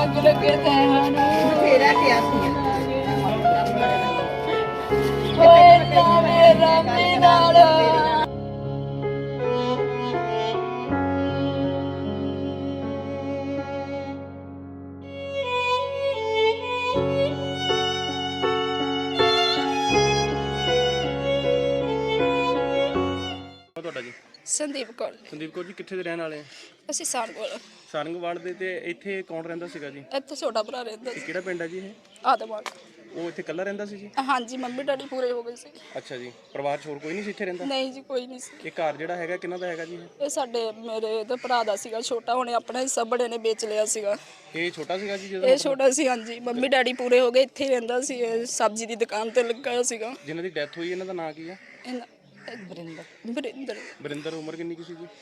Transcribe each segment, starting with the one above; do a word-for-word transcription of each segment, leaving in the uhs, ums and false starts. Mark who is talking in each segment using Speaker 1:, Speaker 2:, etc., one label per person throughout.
Speaker 1: ਅੱਗ ਲੱਗੇ ਤੇ ਹਨ
Speaker 2: ਬਥੇਰਾ ਕਿਹਾ ਸੀ
Speaker 1: ਓਏ ਨਾ ਮੇਰਾ ਵੀ ਨਾਲ
Speaker 3: ਤੁਹਾਡਾ ਜੀ
Speaker 4: ਸੰਦੀਪ ਕੌਰ
Speaker 3: ਸੰਦੀਪ ਕੌਰ ਜੀ ਕਿੱਥੇ ਦੇ ਰਹਿਣ ਵਾਲੇ ਆ?
Speaker 4: ਅਸੀਂ ਸਾਰ ਕੋਲ
Speaker 3: ਸਾਰੰਗਵਾਲ ਦੇ। ਤੇ ਇੱਥੇ ਕੌਣ ਰਹਿੰਦਾ ਸੀਗਾ ਜੀ?
Speaker 4: ਇੱਥੇ ਛੋਟਾ ਭਰਾ ਰਹਿੰਦਾ
Speaker 3: ਇਹ
Speaker 4: ਸੀ
Speaker 3: ਕਿਹੜਾ ਪਿੰਡ ਹੈ ਜੀ ਇਹ?
Speaker 4: ਆਦਮਾਨ।
Speaker 3: ਉਹ ਇੱਥੇ ਇਕੱਲਾ ਰਹਿੰਦਾ ਸੀ ਜੀ?
Speaker 4: ਹਾਂਜੀ ਮੰਮੀ ਡੈਡੀ ਪੂਰੇ ਹੋ ਗਏ ਸੀ।
Speaker 3: ਅੱਛਾ ਜੀ, ਪਰਿਵਾਰ 'ਚ ਹੋਰ ਕੋਈ ਨਹੀਂ ਸੀ ਇੱਥੇ ਰਹਿੰਦਾ?
Speaker 4: ਨਹੀਂ ਜੀ ਕੋਈ ਨਹੀਂ ਸੀ।
Speaker 3: ਇਹ ਘਰ ਜਿਹੜਾ ਹੈਗਾ ਕਿਹਨਾਂ ਦਾ ਹੈਗਾ ਜੀ ਇਹ?
Speaker 4: ਇਹ ਸਾਡੇ ਮੇਰੇ ਤੇ ਭਰਾ ਦਾ ਸੀਗਾ ਛੋਟਾ, ਉਹਨੇ ਆਪਣਾ ਹਿੱਸਾ ਬੜੇ ਨੇ ਵੇਚ ਲਿਆ ਸੀਗਾ।
Speaker 3: ਇਹ ਛੋਟਾ ਸੀਗਾ ਜੀ ਜਦੋਂ?
Speaker 4: ਇਹ ਛੋਟਾ ਸੀ ਹਾਂਜੀ, ਮੰਮੀ ਡੈਡੀ ਪੂਰੇ ਹੋ ਗਏ, ਇੱਥੇ ਹੀ ਰਹਿੰਦਾ ਸੀ। ਇਹ ਸਬਜ਼ੀ ਦੀ ਦੁਕਾਨ ਤੇ ਲੱਗਾ ਹੋਇਆ ਸੀਗਾ।
Speaker 3: ਜਿਨ੍ਹਾਂ ਦੀ ਡੈਥ ਹੋਈ ਇਹਨਾਂ ਦਾ ਨਾਂ ਕੀ ਆ?
Speaker 4: ਬਰਿੰਦਰ ਬਰਿੰਦਰ
Speaker 3: ਬਰਿੰਦਰ। ਉਮਰ ਕਿੰਨੀ ਕੀ ਸੀ ਜੀ?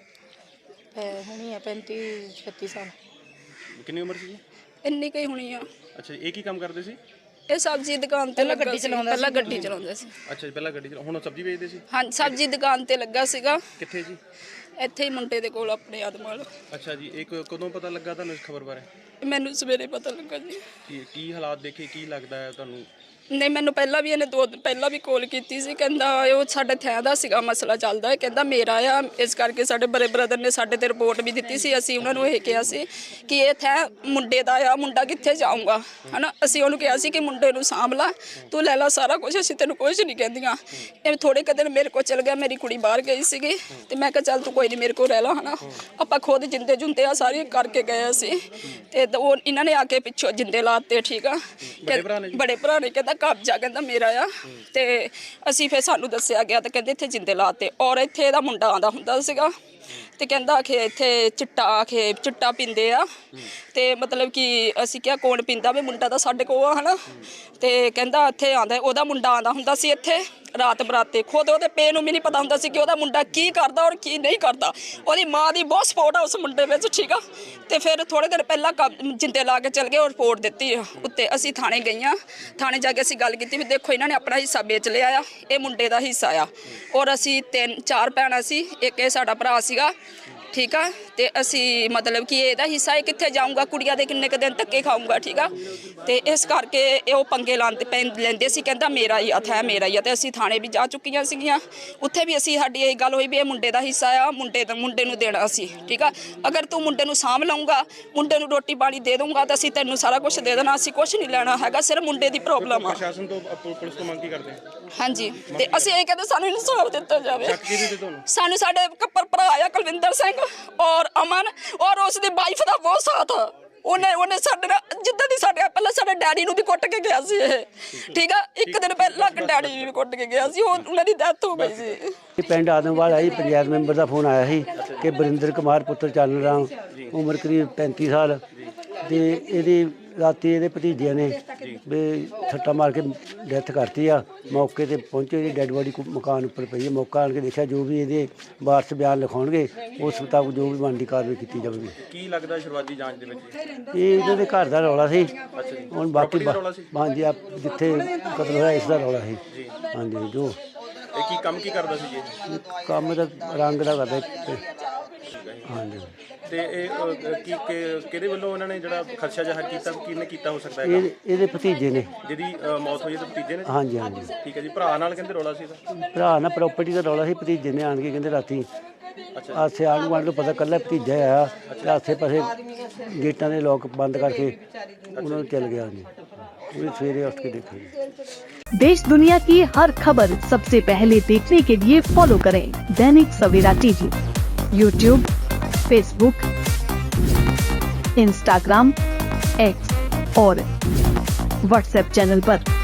Speaker 2: ਹੁਣੀ ਆ ਪੈਂਤੀ ਛੱਤੀ ਸਾਲ।
Speaker 3: ਕਿੰਨੀ ਉਮਰ ਸੀ ਜੀ?
Speaker 4: ਇੰਨੀ ਕਈ ਹੋਣੀ ਆ।
Speaker 3: ਅੱਛਾ ਜੀ, ਇਹ ਕੀ ਕੰਮ ਕਰਦੇ ਸੀ?
Speaker 4: ਇਹ ਸਬਜ਼ੀ ਦੁਕਾਨ ਤੇ ਲੱਗਾ ਸੀ, ਪਹਿਲਾਂ ਗੱਡੀ ਚਲਾਉਂਦਾ ਸੀ।
Speaker 3: ਅੱਛਾ ਜੀ, ਪਹਿਲਾਂ ਗੱਡੀ ਚਲਾ, ਹੁਣ ਉਹ ਸਬਜ਼ੀ ਵੇਚਦੇ ਸੀ?
Speaker 4: ਹਾਂਜੀ ਸਬਜ਼ੀ ਦੁਕਾਨ ਤੇ ਲੱਗਾ ਸੀਗਾ।
Speaker 3: ਕਿੱਥੇ ਜੀ?
Speaker 4: ਇੱਥੇ ਹੀ ਮੁੰਡੇ ਦੇ ਕੋਲ ਆਪਣੇ ਆਦਮਾਲ।
Speaker 3: ਅੱਛਾ ਜੀ, ਇਹ ਕ- ਕਦੋਂ ਪਤਾ ਲੱਗਾ ਤੁਹਾਨੂੰ ਇਸ ਖਬਰ ਬਾਰੇ?
Speaker 4: ਮੈਨੂੰ ਸਵੇਰੇ ਪਤਾ ਲੱਗਾ ਜੀ।
Speaker 3: ਕੀ ਕੀ ਹਾਲਾਤ ਦੇਖੇ, ਕੀ ਲੱਗਦਾ ਹੈ ਤੁਹਾਨੂੰ?
Speaker 4: ਨਹੀਂ ਮੈਨੂੰ ਪਹਿਲਾਂ ਵੀ ਇਹਨੇ ਦੋ ਦਿਨ ਪਹਿਲਾਂ ਵੀ ਕਾਲ ਕੀਤੀ ਸੀ, ਕਹਿੰਦਾ ਉਹ ਸਾਡੇ ਥੈਂ ਦਾ ਸੀਗਾ ਮਸਲਾ ਚੱਲਦਾ ਹੈ, ਕਹਿੰਦਾ ਮੇਰਾ ਆ, ਇਸ ਕਰਕੇ ਸਾਡੇ ਬੜੇ ਬ੍ਰਦਰ ਨੇ ਸਾਡੇ ਤੇ ਰਿਪੋਰਟ ਵੀ ਦਿੱਤੀ ਸੀ। ਅਸੀਂ ਉਹਨਾਂ ਨੂੰ ਇਹ ਕਿਹਾ ਸੀ ਕਿ ਇਹ ਥੈਂ ਮੁੰਡੇ ਦਾ ਆ, ਮੁੰਡਾ ਕਿੱਥੇ ਜਾਊਗਾ ਹਨਾ। ਅਸੀਂ ਉਹਨੂੰ ਕਿਹਾ ਸੀ ਕਿ ਮੁੰਡੇ ਨੂੰ ਸਾਂਭ ਲਾ, ਤੂੰ ਲੈ ਲਾ ਸਾਰਾ ਕੁਝ, ਅਸੀਂ ਤੈਨੂੰ ਕੁਝ ਨਹੀਂ ਕਹਿੰਦੀਆਂ। ਇਹ ਥੋੜੇ ਕੁ ਦਿਨ ਮੇਰੇ ਕੋਲ ਚਲ ਗਿਆ, ਮੇਰੀ ਕੁੜੀ ਬਾਹਰ ਗਈ ਸੀਗੀ ਤੇ ਮੈਂ ਕਿਹਾ ਚੱਲ ਤੂੰ ਕੋਈ ਨਹੀਂ ਮੇਰੇ ਕੋਲ ਰਹਿ ਲਾ ਹਨਾ। ਆਪਾਂ ਖੁਦ ਜਿੰਦੇ ਜੁੰਦੇ ਆ ਸਾਰੇ ਕਰਕੇ ਗਏ ਸੀ ਤੇ ਉਹ ਇਹਨਾਂ ਨੇ ਆ ਕੇ ਪਿੱਛੋਂ ਜਿੰਦੇ ਲਾਤੇ। ਠੀਕ ਆ, ਬੜੇ ਭਰਾ ਨੇ ਕਹਿੰਦਾ ਕਬਜ਼ਾ ਕਹਿੰਦਾ ਮੇਰਾ ਆ। ਤੇ ਅਸੀਂ ਫਿਰ ਸਾਨੂੰ ਦੱਸਿਆ ਗਿਆ ਤੇ ਕਹਿੰਦੇ ਇੱਥੇ ਜਿੰਦੇ ਲਾਤੇ। ਔਰ ਇੱਥੇ ਇਹਦਾ ਮੁੰਡਾ ਆਉਂਦਾ ਹੁੰਦਾ ਸੀਗਾ ਤੇ ਕਹਿੰਦਾ ਕਿ ਇੱਥੇ ਚਿੱਟਾ ਆਖੇ ਚਿੱਟਾ ਪੀਂਦੇ ਆ। ਤੇ ਮਤਲਬ ਕਿ ਅਸੀਂ ਕਿਹਾ ਕੌਣ ਪੀਂਦਾ ਵੀ? ਮੁੰਡਾ ਤਾਂ ਸਾਡੇ ਕੋਲ ਆ ਹਨਾ। ਤੇ ਕਹਿੰਦਾ ਇੱਥੇ ਆਉਂਦਾ, ਉਹਦਾ ਮੁੰਡਾ ਆਉਂਦਾ ਹੁੰਦਾ ਸੀ ਇੱਥੇ ਰਾਤ ਬਰਾਤੇ। ਖੁਦ ਉਹਦੇ ਪੇ ਨੂੰ ਵੀ ਨਹੀਂ ਪਤਾ ਹੁੰਦਾ ਸੀ ਕਿ ਉਹਦਾ ਮੁੰਡਾ ਕੀ ਕਰਦਾ ਔਰ ਕੀ ਨਹੀਂ ਕਰਦਾ। ਉਹਦੀ ਮਾਂ ਦੀ ਬਹੁਤ ਸਪੋਰਟ ਆ ਉਸ ਮੁੰਡੇ ਵਿੱਚ। ਠੀਕ ਆ, ਤੇ ਫਿਰ ਥੋੜੇ ਦਿਨ ਪਹਿਲਾਂ ਜਿੰਦੇ ਲਾ ਕੇ ਚਲ ਗਏ ਔਰ ਰਿਪੋਰਟ ਦਿੱਤੀ ਉੱਤੇ। ਅਸੀਂ ਥਾਣੇ ਗਈਆਂ, ਥਾਣੇ ਜਾ ਕੇ ਅਸੀਂ ਗੱਲ ਕੀਤੀ ਵੀ ਦੇਖੋ ਇਹਨਾਂ ਨੇ ਆਪਣਾ ਹਿੱਸਾ ਵੇਚ ਲਿਆ ਆ, ਇਹ ਮੁੰਡੇ ਦਾ ਹਿੱਸਾ ਆ। ਔਰ ਅਸੀਂ ਤਿੰਨ ਚਾਰ ਭੈਣਾਂ ਸੀ, ਇੱਕ ਇਹ ਸਾਡਾ ਭਰਾ ਸੀਗਾ। ਠੀਕ ਆ, ਤੇ ਅਸੀਂ ਮਤਲਬ ਕਿ ਇਹਦਾ ਹਿੱਸਾ ਇਹ ਕਿੱਥੇ ਜਾਊਗਾ, ਕੁੜੀਆਂ ਦੇ ਕਿੰਨੇ ਕੁ ਦਿਨ ਧੱਕੇ ਖਾਊਗਾ। ਠੀਕ ਆ, ਤੇ ਇਸ ਕਰਕੇ ਇਹ ਉਹ ਪੰਗੇ ਲਾਉਂਦੇ ਪੈ ਲੈਂਦੇ ਸੀ, ਕਹਿੰਦਾ ਮੇਰਾ ਹੀ ਹੱਥ ਹੈ ਮੇਰਾ ਹੀ ਆ। ਤੇ ਅਸੀਂ ਥਾਣੇ ਵੀ ਜਾ ਚੁੱਕੀਆਂ ਸੀਗੀਆਂ, ਉੱਥੇ ਵੀ ਅਸੀਂ ਸਾਡੀ ਇਹ ਗੱਲ ਹੋਈ ਵੀ ਇਹ ਮੁੰਡੇ ਦਾ ਹਿੱਸਾ ਆ, ਮੁੰਡੇ ਦਾ ਮੁੰਡੇ ਨੂੰ ਦੇਣਾ ਸੀ। ਠੀਕ ਆ, ਅਗਰ ਤੂੰ ਮੁੰਡੇ ਨੂੰ ਸਾਂਭ ਲਊਂਗਾ, ਮੁੰਡੇ ਨੂੰ ਰੋਟੀ ਪਾਣੀ ਦੇ ਦਊਂਗਾ ਤਾਂ ਅਸੀਂ ਤੈਨੂੰ ਸਾਰਾ ਕੁਝ ਦੇ ਦੇਣਾ, ਅਸੀਂ ਕੁਝ ਨਹੀਂ ਲੈਣਾ ਹੈਗਾ, ਸਿਰਫ ਮੁੰਡੇ ਦੀ ਪ੍ਰੋਬਲਮ ਆ।
Speaker 3: ਪ੍ਰਸ਼ਾਸਨ ਤੋਂ ਪੁ- ਪੁਲਿਸ ਤੋਂ ਮੰਗ ਕੀ ਕਰਦੇ ਆ?
Speaker 4: ਹਾਂਜੀ, ਤੇ ਅਸੀਂ ਇਹ ਕਹਿੰਦੇ ਸਾਨੂੰ ਇਨਸਾਫ ਦਿੱਤਾ ਜਾਵੇ।
Speaker 3: ਸ਼ੱਕ ਕਿਹਦੇ ਤੇ ਤੁਹਾਨੂੰ?
Speaker 4: ਸਾਨੂੰ ਸਾਡੇ ਕੱਪਰ ਭਰਾ ਆ ਕੁਲਵਿੰਦਰ ਸਿੰਘ ਔਰ ਅਮਨ ਔਰ ਉਸ ਦੀ ਵਾਈਫ ਦਾ ਬਹੁਤ ਸਾਥ। ਉਹਨੇ ਉਹਨੇ ਸਾਡੇ ਨਾਲ ਜਿੱਦਾਂ ਦੀ ਸਾਡੇ ਪਹਿਲਾਂ ਸਾਡੇ ਡੈਡੀ ਨੂੰ ਵੀ ਕੁੱਟ ਕੇ ਗਿਆ ਸੀ ਇਹ। ਠੀਕ ਆ, ਇੱਕ ਦਿਨ ਪਹਿਲਾਂ ਡੈਡੀ ਨੂੰ ਵੀ ਕੁੱਟ ਕੇ ਗਿਆ ਸੀ, ਉਹ ਉਹਨਾਂ ਦੀ ਡੈਥ ਹੋ ਗਈ ਸੀ।
Speaker 5: ਪਿੰਡ ਆਦਮਵਾਲ ਆਈ ਪੰਚਾਇਤ ਮੈਂਬਰ ਦਾ ਫੋਨ ਆਇਆ ਸੀ ਕਿ ਬਰਿੰਦਰ ਕੁਮਾਰ ਪੁੱਤਰ ਚੱਲ ਰਾਮ ਉਮਰ ਕਰੀਬ ਪੈਂਤੀ ਸਾਲ ਤੇ ਇਹਦੀ ਰਾਤੀ ਇਹਦੇ ਭਤੀਜਿਆਂ ਨੇ ਵੀ ਸੱਟਾ ਮਾਰ ਕੇ ਡੈਥ ਕਰਤੀ ਆ। ਮੌਕੇ ਤੇ ਪਹੁੰਚੇ, ਇਹਦੀ ਡੈੱਡ ਬੋਡੀ ਮਕਾਨ ਉੱਪਰ ਪਈ ਹੈ। ਮੌਕਾ ਆਣ ਕੇ ਦੇਖਿਆ, ਜੋ ਵੀ ਇਹਦੇ ਵਾਰਸ ਬਿਆਨ ਲਿਖਾਉਣਗੇ ਉਸ ਮੁਤਾਬਕ ਜੋ ਵੀ ਬਣਦੀ ਕਾਰਵਾਈ ਕੀਤੀ ਜਾਵੇਗੀ।
Speaker 3: ਕੀ ਲੱਗਦਾ ਸ਼ੁਰੂਆਤੀ ਜਾਂਚ ਦੇ ਵਿੱਚ?
Speaker 5: ਇਹ ਇਹਨਾਂ ਦੇ ਘਰ ਦਾ ਰੌਲਾ ਸੀ। ਹੁਣ ਬਾਕੀ ਹਾਂਜੀ ਆ ਜਿੱਥੇ ਕਤਲ ਹੋਇਆ ਇਸ ਦਾ ਰੌਲਾ ਸੀ। ਹਾਂਜੀ, ਜੋ
Speaker 3: ਇਹ ਕੀ ਕੰਮ ਕੀ ਕਰਦਾ ਸੀ ਜੀ?
Speaker 5: ਕੰਮ ਦਾ ਰੰਗ ਦਾ ਕਰਦਾ ਹਾਂਜੀ।
Speaker 3: ਤੇ ਇਹ ਅ, ਕੀ ਕਿ- ਕਿਹਦੇ ਵੱਲੋਂ ਉਹਨਾਂ ਨੇ ਜਿਹੜਾ ਖਦਸ਼ਾ ਜ਼ਾਹਰ ਕੀਤਾ, ਕਿਹਨੇ ਕੀਤਾ ਹੋ ਸਕਦਾ ਹੈ?
Speaker 5: ਇਹ ਇਹਦੇ ਭਤੀਜੇ ਨੇ।
Speaker 3: ਜਿਹਦੀ ਅ, ਮੌਤ ਹੋਈ ਤੇ ਭਤੀਜੇ ਨੇ?
Speaker 5: ਹਾਂਜੀ ਹਾਂਜੀ,
Speaker 3: ਠੀਕ ਹੈ ਜੀ। ਭਰਾ ਨਾਲ ਕਹਿੰਦੇ ਰੌਲਾ ਸੀ ਇਹਦਾ?
Speaker 5: ਭਰਾ ਨਾਲ ਪ੍ਰਾਪਰਟੀ ਦਾ ਰੌਲਾ ਸੀ। ਭਤੀਜੇ ਨੇ ਆਣ ਕੇ ਕਹਿੰਦੇ ਰਾਤੀ ਆਸੇ ਆਣ ਗੁਆਂਢ ਨੂੰ ਪਤਾ ਕੱਲਾ ਭਤੀਜਾ ਆਇਆ ਤੇ ਆਸੇ ਪਾਸੇ ਗੇਟਾਂ ਦੇ ਲੋਕ ਬੰਦ ਕਰਕੇ ਉਹਨਾਂ ਨੂੰ ਚਲ ਗਿਆ। ਜੀ ਉਹ ਸਵੇਰੇ ਉੱਠ ਕੇ ਦੇਖੇ।
Speaker 6: देश दुनिया की हर खबर सबसे पहले देखने के लिए फॉलो करें Dainik Savera TV, YouTube, Facebook, Instagram, X और व्हाट्सएप चैनल पर।